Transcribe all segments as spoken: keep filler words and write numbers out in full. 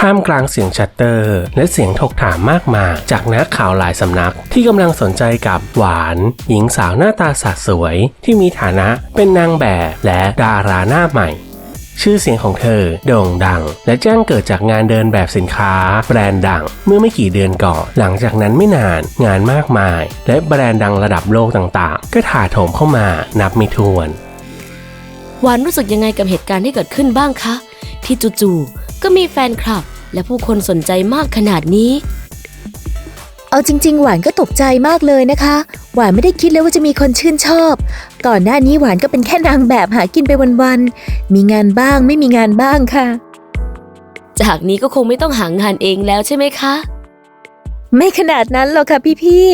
ท่ามกลางเสียงชัตเตอร์และเสียงถกถามมากมายจากนักข่าวหลายสำนักที่กำลังสนใจกับหวานหญิงสาวหน้าตาสะสวยที่มีฐานะเป็นนางแบบและดาราหน้าใหม่ชื่อเสียงของเธอโด่งดังและแจ้งเกิดจากงานเดินแบบสินค้าแบรนด์ดังเมื่อไม่กี่เดือนก่อนหลังจากนั้นไม่นานงานมากมายและแบรนด์ดังระดับโลกต่างๆก็ถาโถมเข้ามานับไม่ถ้วนหวานรู้สึกยังไงกับเหตุการณ์ที่เกิดขึ้นบ้างคะที่จู่ๆก็มีแฟนคลับและผู้คนสนใจมากขนาดนี้เอาจริงๆหวานก็ตกใจมากเลยนะคะหวานไม่ได้คิดเลยว่าจะมีคนชื่นชอบก่อนหน้านี้หวานก็เป็นแค่นางแบบหากินไปวันๆมีงานบ้างไม่มีงานบ้างค่ะจากนี้ก็คงไม่ต้องหางานเองแล้วใช่ไหมคะไม่ขนาดนั้นหรอกค่ะพี่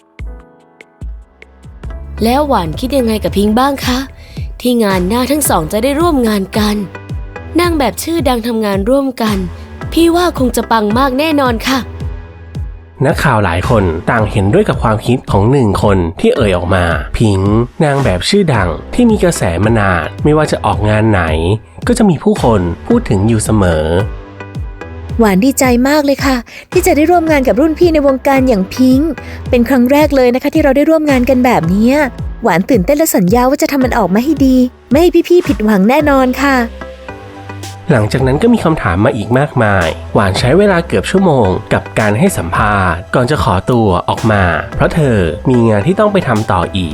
ๆแล้วหวานคิดยังไงกับพิงค์บ้างคะที่งานหน้าทั้งสองจะได้ร่วมงานกันนางแบบชื่อดังทำงานร่วมกันพี่ว่าคงจะปังมากแน่นอนค่ะนักข่าวหลายคนต่างเห็นด้วยกับความคิดของหนึ่งคนที่เอ่ยออกมาพิงค์นางแบบชื่อดังที่มีกระแสมานานไม่ว่าจะออกงานไหนก็จะมีผู้คนพูดถึงอยู่เสมอหวานดีใจมากเลยค่ะที่จะได้ร่วมงานกับรุ่นพี่ในวงการอย่างพิงค์เป็นครั้งแรกเลยนะคะที่เราได้ร่วมงานกันแบบนี้หวานตื่นเต้นและสัญญาว่าจะทำมันออกมาให้ดีไม่ให้พี่ๆผิดหวังแน่นอนค่ะหลังจากนั้นก็มีคำถามมาอีกมากมายหวานใช้เวลาเกือบชั่วโมงกับการให้สัมภาษณ์ก่อนจะขอตัวออกมาเพราะเธอมีงานที่ต้องไปทำต่ออีก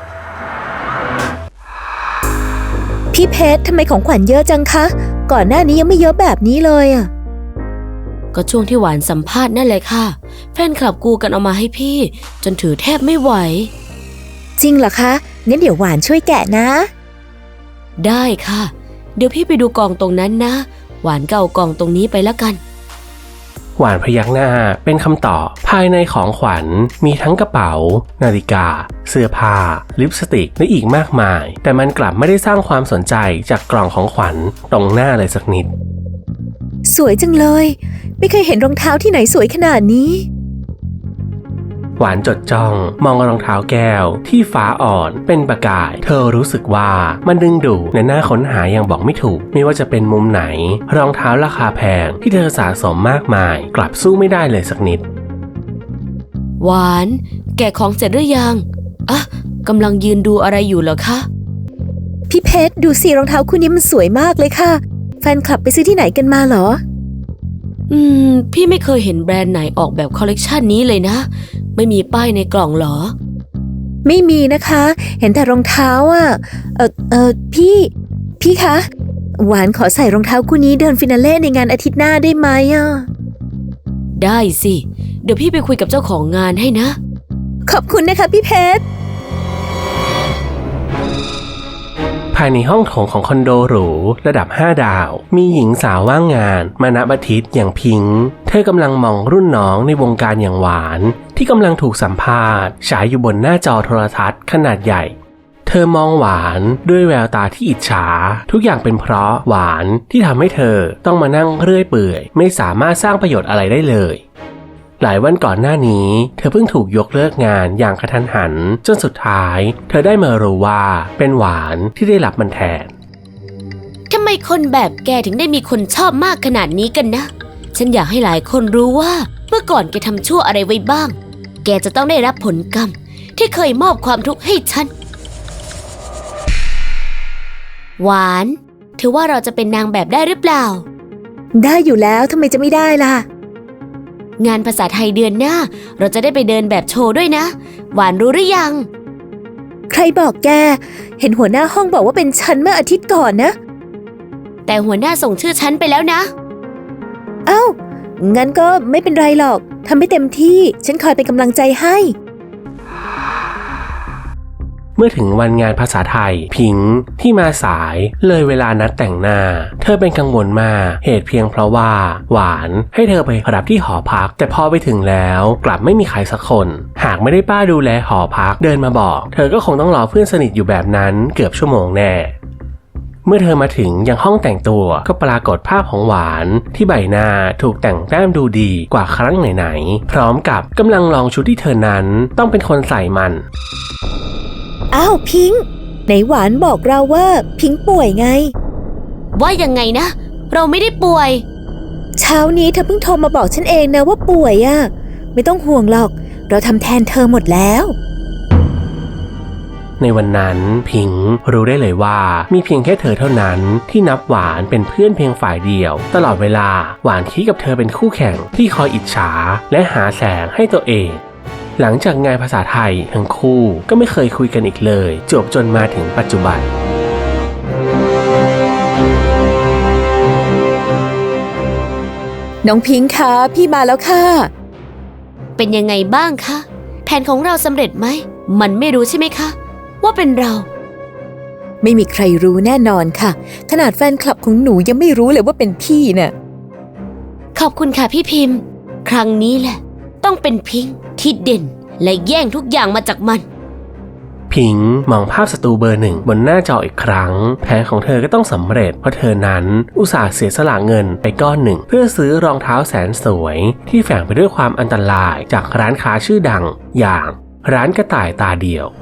พี่เพชรทำไมของขวัญเยอะจังคะก่อนหน้านี้ยังไม่เยอะแบบนี้เลยอ่ะก็ช่วงที่หวานสัมภาษณ์นั่นแหละค่ะแฟนคลับกูกันเอามาให้พี่จนถือแทบไม่ไหวจริงเหรอคะงั้นเดี๋ยวหวานช่วยแกะนะได้ค่ะเดี๋ยวพี่ไปดูกล่องตรงนั้นนะหวานก็เอากล่องตรงนี้ไปแล้วกันหวานพยักหน้าเป็นคำตอบภายในของขวัญมีทั้งกระเป๋านาฬิกาเสื้อผ้าลิปสติกและอีกมากมายแต่มันกลับไม่ได้สร้างความสนใจจากกล่องของขวัญตรงหน้าเลยสักนิดสวยจังเลยไม่เคยเห็นรองเท้าที่ไหนสวยขนาดนี้หวานจดจ้องมองรองเท้าแก้วที่ฟ้าอ่อนเป็นประกายเธอรู้สึกว่ามันดึงดูดและน่าค้นหาอย่างบอกไม่ถูกไม่ว่าจะเป็นมุมไหนรองเท้าราคาแพงที่เธอสะสมมากมายกลับสู้ไม่ได้เลยสักนิดหวานแกะของเสร็จหรือยังอ่ะกำลังยืนดูอะไรอยู่เหรอคะพี่เพชรดูสิรองเท้าคู่นี้มันสวยมากเลยค่ะแฟนคลับไปซื้อที่ไหนกันมาเหรออืมพี่ไม่เคยเห็นแบรนด์ไหนออกแบบคอลเลกชันนี้เลยนะไม่มีป้ายในกล่องเหรอไม่มีนะคะเห็นแต่รองเท้าอ่ะเออเออพี่พี่คะหวานขอใส่รองเท้าคู่นี้เดินฟินาเล่ในงานอาทิตย์หน้าได้ไหมอ่ะได้สิเดี๋ยวพี่ไปคุยกับเจ้าของงานให้นะขอบคุณนะคะพี่เพชรภายในห้องโถงของคอนโดหรูระดับห้าดาวมีหญิงสาวว่างงานมาณบัดทิตอย่างพิงค์เธอกำลังมองรุ่นน้องในวงการอย่างหวานที่กำลังถูกสัมภาษณ์ฉายอยู่บนหน้าจอโทรทัศน์ขนาดใหญ่เธอมองหวานด้วยแววตาที่อิจฉาทุกอย่างเป็นเพราะหวานที่ทำให้เธอต้องมานั่งเรื่อยเปื่อยไม่สามารถสร้างประโยชน์อะไรได้เลยหลายวันก่อนหน้านี้เธอเพิ่งถูกยกเลิกงานอย่างกระทันหันจนสุดท้ายเธอได้มารู้ว่าเป็นหวานที่ได้รับมันแทนทำไมคนแบบแกถึงได้มีคนชอบมากขนาดนี้กันนะฉันอยากให้หลายคนรู้ว่าเมื่อก่อนแกทำชั่วอะไรไว้บ้างแกจะต้องได้รับผลกรรมที่เคยมอบความทุกข์ให้ฉันหวานถือว่าเราจะเป็นนางแบบได้หรือเปล่าได้อยู่แล้วทำไมจะไม่ได้ล่ะงานภาษาไทยเดือนหน้าเราจะได้ไปเดินแบบโชว์ด้วยนะหวานรู้หรือยังใครบอกแกเห็นหัวหน้าห้องบอกว่าเป็นฉันเมื่ออาทิตย์ก่อนนะแต่หัวหน้าส่งชื่อฉันไปแล้วนะเอ้างั้นก็ไม่เป็นไรหรอกทำให้เต็มที่ฉันคอยเป็นกำลังใจให้เมื่อถึงวันงานภาษาไทยพิงค์ที่มาสายเลยเวลานัดแต่งหน้าเธอเป็นกังวลมากเหตุเพียงเพราะว่าหวานให้เธอไปรับที่หอพักแต่พอไปถึงแล้วกลับไม่มีใครสักคนหากไม่ได้ป้าดูแลหอพักเดินมาบอกเธอก็คงต้องรอเพื่อนสนิทอยู่แบบนั้นเกือบชั่วโมงแน่เมื่อเธอมาถึงยังห้องแต่งตัวก็ปรากฏภาพของหวานที่ใบหน้าถูกแต่งแต้มดูดีกว่าครั้งไหนๆพร้อมกับกำลังลองชุดที่เธอนั้นต้องเป็นคนใส่มันอ้าวพิงค์ไหนหวานบอกเราว่าพิงค์ป่วยไงว่ายังไงนะเราไม่ได้ป่วยเช้านี้เธอเพิ่งโทรมาบอกฉันเองนะว่าป่วยอะไม่ต้องห่วงหรอกเราทำแทนเธอหมดแล้วในวันนั้นพิงค์รู้ได้เลยว่ามีเพียงแค่เธอเท่านั้นที่นับหวานเป็นเพื่อนเพียงฝ่ายเดียวตลอดเวลาหวานคิดกับเธอเป็นคู่แข่งที่คอยอิจฉาและหาแสงให้ตัวเองหลังจากงานภาษาไทยทั้งคู่ก็ไม่เคยคุยกันอีกเลยจบจนมาถึงปัจจุบันน้องพิงค์คะพี่มาแล้วค่ะเป็นยังไงบ้างคะแผนของเราสำเร็จไหมมันไม่รู้ใช่ไหมคะว่าเป็นเราไม่มีใครรู้แน่นอนค่ะขนาดแฟนคลับของหนูยังไม่รู้เลยว่าเป็นพี่น่ะขอบคุณค่ะพี่พิมพ์ครั้งนี้แหละต้องเป็นพิงค์ที่เด่นและแย่งทุกอย่างมาจากมันพิงค์มองภาพศัตรูเบอร์หนึ่งบนหน้าจออีกครั้งแผนของเธอก็ต้องสำเร็จเพราะเธอนั้นอุตส่าห์เสียสละเงินไปก้อนหนึ่งเพื่อซื้อรองเท้าแสนสวยที่แฝงไปด้วยความอันตรายจากร้านค้าชื่อดังอย่างร้านกระต่ายตาเดียว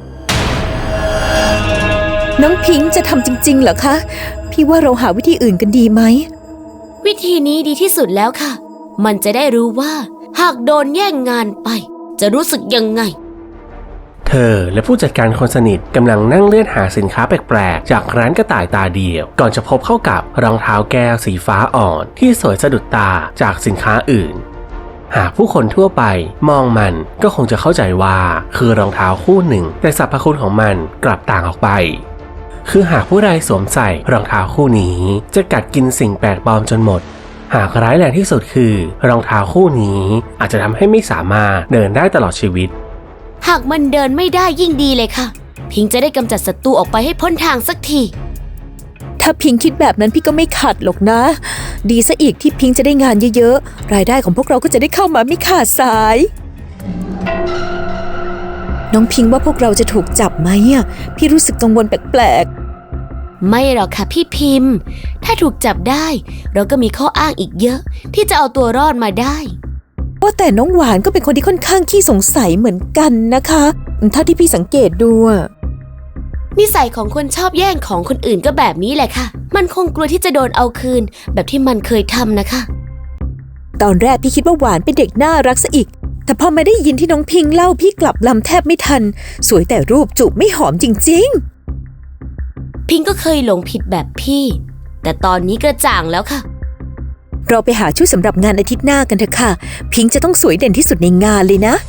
น้องพิงค์จะทำจริงๆเหรอคะพี่ว่าเราหาวิธีอื่นกันดีไหมวิธีนี้ดีที่สุดแล้วค่ะมันจะได้รู้ว่าหากโดนแย่งงานไปจะรู้สึกยังไงเธอและผู้จัดการคนสนิทกำลังนั่งเลื่อนหาสินค้าแปลกๆจากร้านกระต่ายตาเดียวก่อนจะพบเข้ากับรองเท้าแก้วสีฟ้าอ่อนที่สวยสะดุดตาจากสินค้าอื่นหากผู้คนทั่วไปมองมันก็คงจะเข้าใจว่าคือรองเท้าคู่หนึ่งแต่สรรพคุณของมันกลับต่างออกไปคือหากผู้ใดสวมใส่รองเท้าคู่นี้จะกัดกินสิ่งแปลกปลอมจนหมดหากร้ายแรงที่สุดคือรองเท้าคู่นี้อาจจะทำให้ไม่สามารถเดินได้ตลอดชีวิตหากมันเดินไม่ได้ยิ่งดีเลยค่ะพิงจะได้กำจัดศัตรูออกไปให้พ้นทางสักทีถ้าพิงคิดแบบนั้นพี่ก็ไม่ขัดหรอกนะดีซะอีกที่พิงจะได้งานเยอะๆรายได้ของพวกเราก็จะได้เข้ามาไม่ขาดสายน้องพิงว่าพวกเราจะถูกจับไหมอ่ะพี่รู้สึกกังวลแปลกๆไม่หรอกค่ะพี่พิมพ์ถ้าถูกจับได้เราก็มีข้ออ้างอีกเยอะที่จะเอาตัวรอดมาได้ว่าแต่น้องหวานก็เป็นคนที่ค่อนข้างขี้สงสัยเหมือนกันนะคะถ้าที่พี่สังเกตดูนิสัยของคนชอบแย่งของคนอื่นก็แบบนี้แหละค่ะมันคงกลัวที่จะโดนเอาคืนแบบที่มันเคยทำนะคะตอนแรกพี่คิดว่าหวานเป็นเด็กน่ารักซะอีกแต่พอมาได้ยินที่น้องพิงเล่าพี่กลับลำแทบไม่ทันสวยแต่รูปจูบไม่หอมจริงๆพิงก็เคยหลงผิดแบบพี่แต่ตอนนี้กระจ่างแล้วค่ะเราไปหาชุดสำหรับงานอาทิตย์หน้ากันเถอะค่ะพิงจะต้องสวยเด่นที่สุดในงานเลยนะ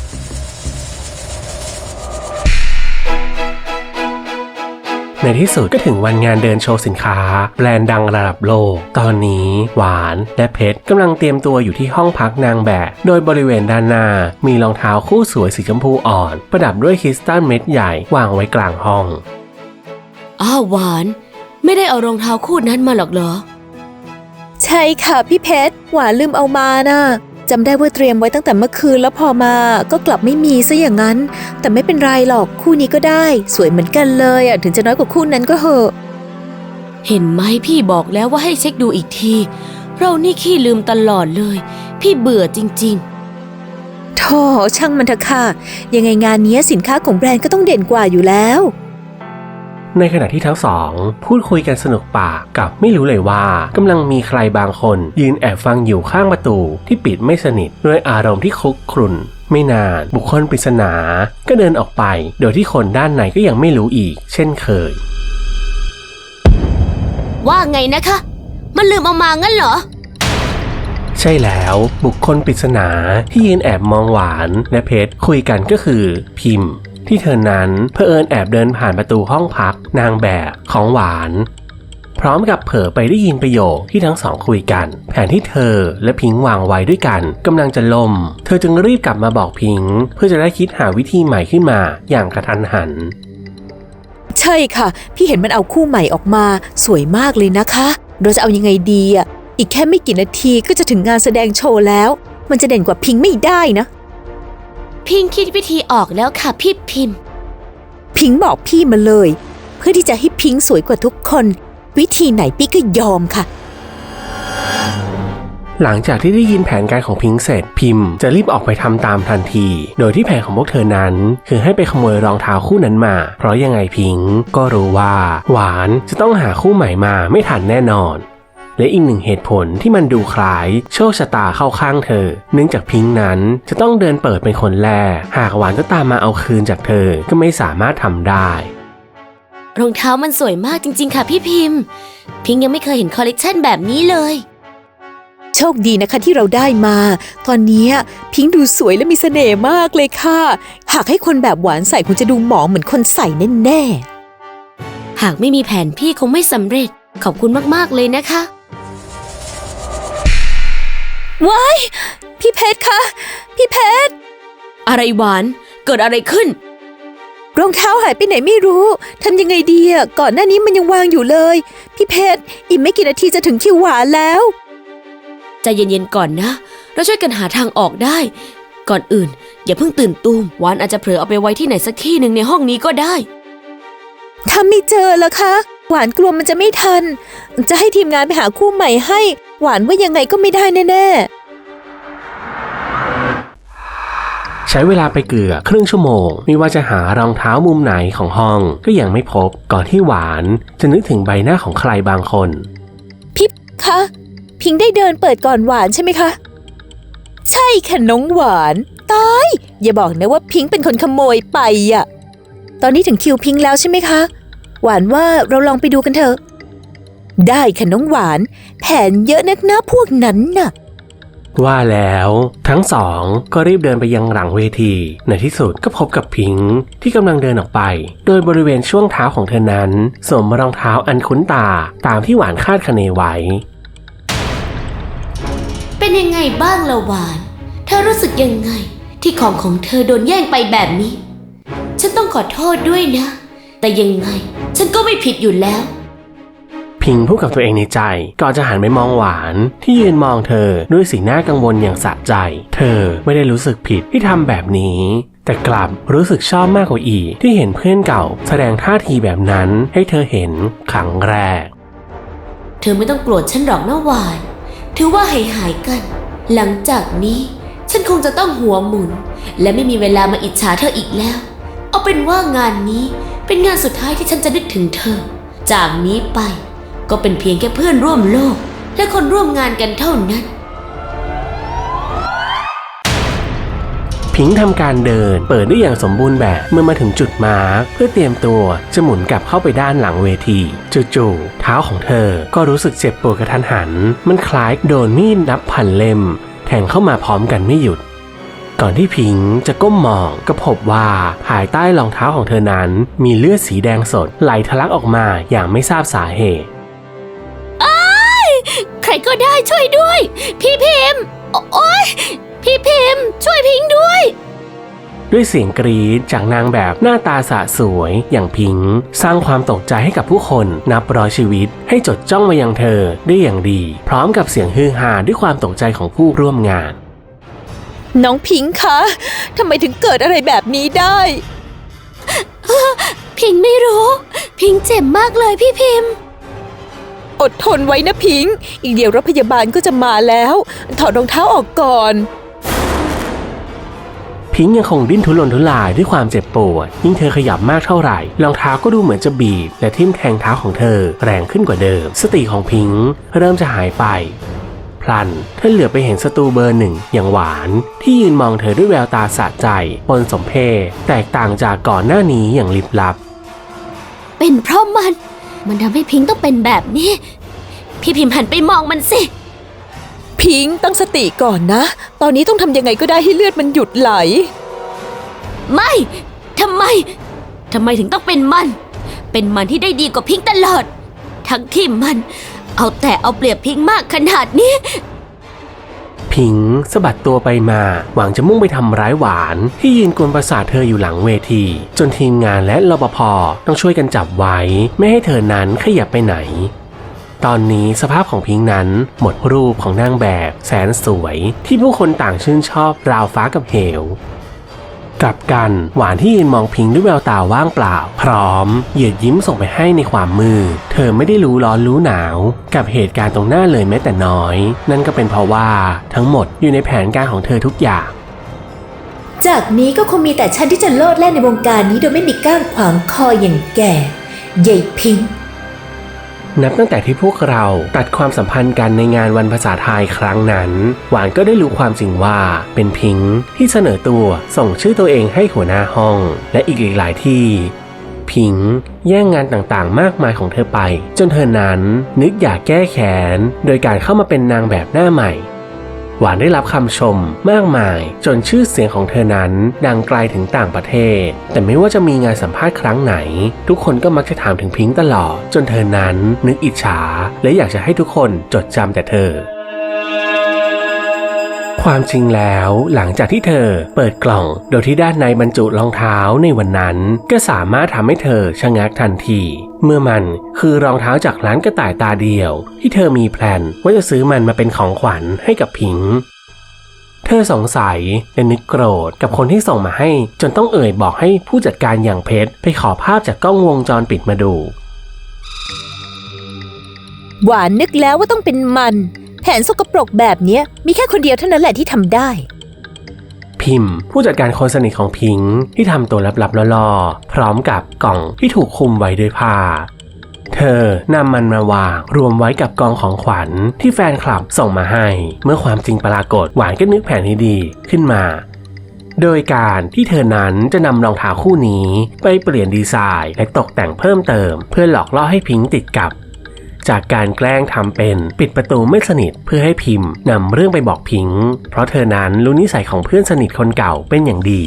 ในที่สุดก็ถึงวันงานเดินโชว์สินค้าแบรนด์ดังระดับโลกตอนนี้หวานและเพชรกำลังเตรียมตัวอยู่ที่ห้องพักนางแบบโดยบริเวณด้านหน้ามีรองเท้าคู่สวยสีชมพูอ่อนประดับด้วยคริสตัลเม็ดใหญ่วางไว้กลางห้องอ้าวหวานไม่ได้เอารองเท้าคู่นั้นมาหรอกเหรอใช่ค่ะพี่เพชรหวานลืมเอามานะ จำได้ว่าเตรียมไว้ตั้งแต่เมื่อคืนแล้วพอมาก็กลับไม่มีซะอย่างนั้นแต่ไม่เป็นไรหรอกคู่นี้ก็ได้สวยเหมือนกันเลยอ่ะถึงจะน้อยกว่าคู่นั้นก็เหอะเห็นไหมพี่บอกแล้วว่าให้เช็คดูอีกทีเรานี่ขี้ลืมตลอดเลยพี่เบื่อจริงๆโธ่ช่างมันเถอะค่ะยังไงงานนี้สินค้าของแบรนด์ก็ต้องเด่นกว่าอยู่แล้วในขณะที่ทั้งสองพูดคุยกันสนุกปากกับไม่รู้เลยว่ากำลังมีใครบางคนยืนแอบฟังอยู่ข้างประตูที่ปิดไม่สนิทด้วยอารมณ์ที่คลุกครุ่นไม่นานบุคคลปริศนาก็เดินออกไปโดยที่คนด้านในก็ยังไม่รู้อีกเช่นเคยว่าไงนะคะมันลืมเอามางั้นเหรอใช่แล้วบุคคลปริศนาที่ยืนแอบมองหวานและเพชรคุยกันก็คือพิมพ์ที่เธอนั้นเผอิญแอบเดินผ่านประตูห้องพักนางแบบของหวานพร้อมกับเผลอไปได้ยินประโยคที่ทั้งสองคุยกันแผนที่เธอและพิงค์วางไว้ด้วยกันกำลังจะล่มเธอจึงรีบกลับมาบอกพิงค์เพื่อจะได้คิดหาวิธีใหม่ขึ้นมาอย่างกระทันหันใช่ค่ะพี่เห็นมันเอาคู่ใหม่ออกมาสวยมากเลยนะคะเราจะเอายังไงดีอ่ะอีกแค่ไม่กี่นาทีก็จะถึงงานแสดงโชว์แล้วมันจะเด่นกว่าพิงค์ไม่ได้นะพิงค์คิดวิธีออกแล้วค่ะพี่พิมพ์พิงค์บอกพี่มาเลยเพื่อที่จะให้พิงค์สวยกว่าทุกคนวิธีไหนพี่ก็ยอมค่ะหลังจากที่ได้ยินแผนการของพิงค์เสร็จพิมพ์จะรีบออกไปทำตามทันทีโดยที่แผนของพวกเธอนั้นคือให้ไปขโมยรองเท้าคู่นั้นมาเพราะยังไงพิงค์ก็รู้ว่าหวานจะต้องหาคู่ใหม่มาไม่ทันแน่นอนและอีกหนึ่งเหตุผลที่มันดูคล้ายโชคชะตาเข้าข้างเธอเนื่องจากพิงค์นั้นจะต้องเดินเปิดเป็นคนแรกหากหวานก็ตามมาเอาคืนจากเธอก็ไม่สามารถทำได้รองเท้ามันสวยมากจริงๆค่ะพี่พิมพ์พิงค์ยังไม่เคยเห็นคอลเลกชันแบบนี้เลยโชคดีนะคะที่เราได้มาตอนนี้พิงค์ดูสวยและมีเสน่ห์มากเลยค่ะหากให้คนแบบหวานใส่คงจะดูหมองเหมือนคนใส่แน่ๆหากไม่มีแผนพี่คงไม่สำเร็จขอบคุณมากๆเลยนะคะว้ายพี่เพชรคะพี่เพชรอะไรหวานเกิดอะไรขึ้นรองเท้าหายไปไหนไม่รู้ทำยังไงดีอ่ะก่อนหน้านี้มันยังวางอยู่เลยพี่เพชรอีกไม่กี่นาทีจะถึงคิวหวานแล้วใจเย็นๆก่อนนะเราช่วยกันหาทางออกได้ก่อนอื่นอย่าเพิ่งตื่นตูมหวานอาจจะเผลอเอาไปไว้ที่ไหนสักที่หนึ่งในห้องนี้ก็ได้ถ้าไม่เจอล่ะคะหวานกลัวมันจะไม่ทันจะให้ทีมงานไปหาคู่ใหม่ให้หวานว่ายังไงก็ไม่ได้แน่ๆใช้เวลาไปเกือบครึ่งชั่วโมงไม่ว่าจะหารองเท้ามุมไหนของห้องก็ยังไม่พบก่อนที่หวานจะนึกถึงใบหน้าของใครบางคนพี่คะพิงได้เดินเปิดก่อนหวานใช่ไหมคะใช่ค่ะน้องหวานตายอย่าบอกนะว่าพิงเป็นคนขโมยไปอ่ะตอนนี้ถึงคิวพิงแล้วใช่ไหมคะหวานว่าเราลองไปดูกันเถอะได้ค่ะน้องหวานแผนเยอะนักนะพวกนั้นน่ะว่าแล้วทั้งสองก็รีบเดินไปยังหลังเวทีในที่สุดก็พบกับพิงค์ที่กำลังเดินออกไปโดยบริเวณช่วงเท้าของเธอนั้นสวมรองเท้าอันคุ้นตาตามที่หวานคาดคะเนไว้เป็นยังไงบ้างล่ะหวานเธอรู้สึกยังไงที่ของของเธอโดนแย่งไปแบบนี้ฉันต้องขอโทษด้วยนะแต่ยังไงฉันก็ไม่ผิดอยู่แล้วพิงพูดกับตัวเองในใจก่อนจะหันไปมองหวานที่ยืนมองเธอด้วยสีหน้ากังวลอย่างสะใจเธอไม่ได้รู้สึกผิดที่ทำแบบนี้แต่กลับรู้สึกชอบมากกว่าอีกที่เห็นเพื่อนเก่าแสดงท่าทีแบบนั้นให้เธอเห็นครั้งแรกเธอไม่ต้องโกรธฉันหรอกนะหวานถือว่าหายหายกันหลังจากนี้ฉันคงจะต้องหัวหมุนและไม่มีเวลามาอิจฉาเธออีกแล้วเอาเป็นว่างานนี้เป็นงานสุดท้ายที่ฉันจะนึกถึงเธอจากนี้ไปก็เป็นเพียงแค่เพื่อนร่วมโลกและคนร่วมงานกันเท่านั้นพิงค์ทำการเดินเปิดได้อย่างสมบูรณ์แบบเมื่อมาถึงจุดมาร์คเพื่อเตรียมตัวจะหมุนกลับเข้าไปด้านหลังเวทีจู่ๆเท้าของเธอก็รู้สึกเจ็บปวดกระทันหันมันคล้ายโดนมีดนับพันเล่มแทงเข้ามาพร้อมกันไม่หยุดก่อนที่พิงค์จะก้มมองก็พบว่าภายใต้รองเท้าของเธอนั้นมีเลือดสีแดงสดไหลทะลักออกมาอย่างไม่ทราบสาเหตุใครก็ได้ช่วยด้วยพี่พิมพ์โอ๊ยพี่พิมพ์ช่วยพิงค์ด้วยด้วยเสียงกรี๊ดจากนางแบบหน้าตาสะสวยอย่างพิงค์สร้างความตกใจให้กับผู้คนนับร้อยชีวิตให้จดจ้องมายังเธอได้อย่างดีพร้อมกับเสียงฮือฮาด้วยความตกใจของผู้ร่วมงานน้องพิงค์คะทำไมถึงเกิดอะไรแบบนี้ได้พิงค์ไม่รู้พิงค์เจ็บมากเลยพี่พิมพ์อดทนไว้นะพิงค์อีกเดี๋ยวรถพยาบาลก็จะมาแล้วถอดรองเท้าออกก่อนพิงค์ยังคงดิ้นทุรนทุรายด้วยความเจ็บปวดยิ่งเธอขยับมากเท่าไหร่รองเท้าก็ดูเหมือนจะบีบและทิ่มแทงเท้าของเธอแรงขึ้นกว่าเดิมสติของพิงค์เริ่มจะหายไปพลันเธอเหลือไปเห็นศัตรูเบอร์หนึ่งอย่างหวานที่ยืนมองเธอด้วยแววตาสะใจปนสมเพชแตกต่างจากก่อนหน้านี้อย่างลิบลับเป็นเพราะมันมันทำให้พิงค์ต้องเป็นแบบนี้พี่พิมพ์หันไปมองมันสิพิงค์ตั้งสติก่อนนะตอนนี้ต้องทำยังไงก็ได้ให้เลือดมันหยุดไหลไม่ทำไมทำไมถึงต้องเป็นมันเป็นมันที่ได้ดีกว่าพิงค์ตลอดทั้งที่มันเอาแต่เอาเปรียบพิงค์มากขนาดนี้พิงค์สะบัดตัวไปมาหวังจะมุ่งไปทำร้ายหวานที่ยืนกวนประสาทเธออยู่หลังเวทีจนทีมงานและรปภ.ต้องช่วยกันจับไว้ไม่ให้เธอนั้นขยับไปไหนตอนนี้สภาพของพิงค์นั้นหมดรูปของนางแบบแสนสวยที่ผู้คนต่างชื่นชอบราวฟ้ากับเหวกลับกันหวานที่ยืนมองพิงค์ด้วยแววตาว่างเปล่าพร้อมเหยียดยิ้มส่งไปให้ในความมืดเธอไม่ได้รู้ร้อนรู้หนาวกับเหตุการณ์ตรงหน้าเลยแม้แต่น้อยนั่นก็เป็นเพราะว่าทั้งหมดอยู่ในแผนการของเธอทุกอย่างจากนี้ก็คงมีแต่ฉันที่จะโลดแล่นในวงการนี้โดยไม่มีก้างขวางคออย่างแกใหญ่พิงค์นับตั้งแต่ที่พวกเราตัดความสัมพันธ์กันในงานวันภาษาไทยครั้งนั้นหวานก็ได้รู้ความจริงว่าเป็นพิงค์ที่เสนอตัวส่งชื่อตัวเองให้หัวหน้าห้องและอีกหลายที่พิงค์แย่งงานต่างๆมากมายของเธอไปจนเธอนั้นนึกอยากแก้แค้นโดยการเข้ามาเป็นนางแบบหน้าใหม่หวานได้รับคำชมมากมายจนชื่อเสียงของเธอนั้นดังไกลถึงต่างประเทศแต่ไม่ว่าจะมีงานสัมภาษณ์ครั้งไหนทุกคนก็มักจะถามถึงพิงค์ตลอดจนเธอนั้นนึกอิจฉาและอยากจะให้ทุกคนจดจำแต่เธอความจริงแล้วหลังจากที่เธอเปิดกล่องโดยที่ด้านในบรรจุรองเท้าในวันนั้นก็สามารถทำให้เธอชะงักทันทีเมื่อมันคือรองเท้าจากร้านกระต่ายตาเดียวที่เธอมีแพลนว่าจะซื้อมันมาเป็นของขวัญให้กับพิงค์เธอสงสัยและนึกโกรธกับคนที่ส่งมาให้จนต้องเอ่ยบอกให้ผู้จัดการอย่างเพชรไปขอภาพจากกล้องวงจรปิดมาดูหวานนึกแล้วว่าต้องเป็นมันแผนสกปรกแบบนี้มีแค่คนเดียวเท่านั้นแหละที่ทำได้พิมพ์ผู้จัดการคนสนิทของพิงค์ที่ทำตัวลับๆล่อๆพร้อมกับกล่องที่ถูกคลุมไว้ด้วยผ้าเธอนำมันมาวางรวมไว้กับกองของขวัญที่แฟนคลับส่งมาให้เมื่อความจริงปรากฏหวานก็นึกแผนให้ดีขึ้นมาโดยการที่เธอนั้นจะนำรองเท้าคู่นี้ไปเปลี่ยนดีไซน์และตกแต่งเพิ่มเติมเพื่อหลอกล่อให้พิงค์ติดกับจากการแกล้งทำเป็นปิดประตูไม่สนิทเพื่อให้พิมพ์นำเรื่องไปบอกพิงค์เพราะเธอนั้นรู้นิสัยของเพื่อนสนิทคนเก่าเป็นอย่างดี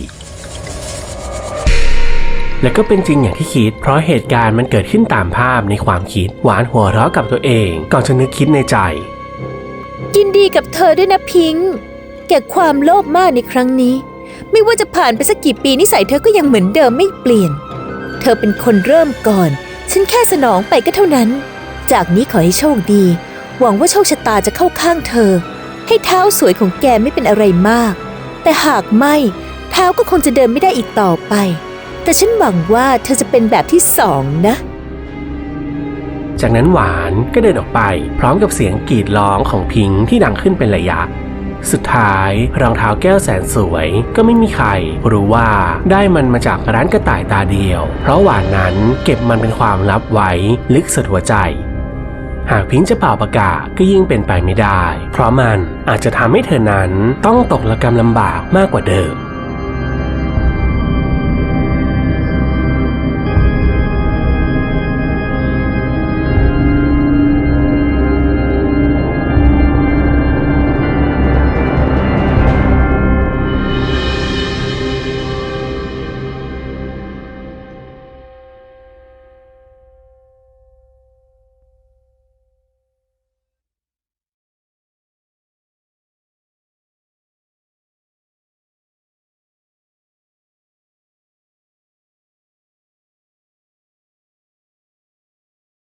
และก็เป็นจริงอย่างที่คิดเพราะเหตุการณ์มันเกิดขึ้นตามภาพในความคิดหวานหัวเราะกับตัวเองก่อนจะนึกคิดในใจยินดีกับเธอด้วยนะพิงค์แก่ความโลภมากในครั้งนี้ไม่ว่าจะผ่านไปสักกี่ปีนิสัยเธอก็ยังเหมือนเดิมไม่เปลี่ยนเธอเป็นคนเริ่มก่อนฉันแค่สนองไปก็เท่านั้นจากนี้ขอให้โชคดีหวังว่าโชคชะตาจะเข้าข้างเธอให้เท้าสวยของแกไม่เป็นอะไรมากแต่หากไม่เท้าก็คงจะเดินไม่ได้อีกต่อไปแต่ฉันหวังว่าเธอจะเป็นแบบที่สองนะจากนั้นหวานก็เดินออกไปพร้อมกับเสียงกรีดร้องของพิงค์ที่ดังขึ้นเป็นระยะสุดท้ายรองเท้าแก้วแสนสวยก็ไม่มีใครรู้ว่าได้มันมาจากร้านกระต่ายตาเดียวเพราะหวานนั้นเก็บมันเป็นความลับไว้ลึกสุดหัวใจหากพิงค์จะเป่าประกาศก็ยิ่งเป็นไปไม่ได้เพราะมันอาจจะทำให้เธอนั้นต้องตกระกำลำบากมากกว่าเดิม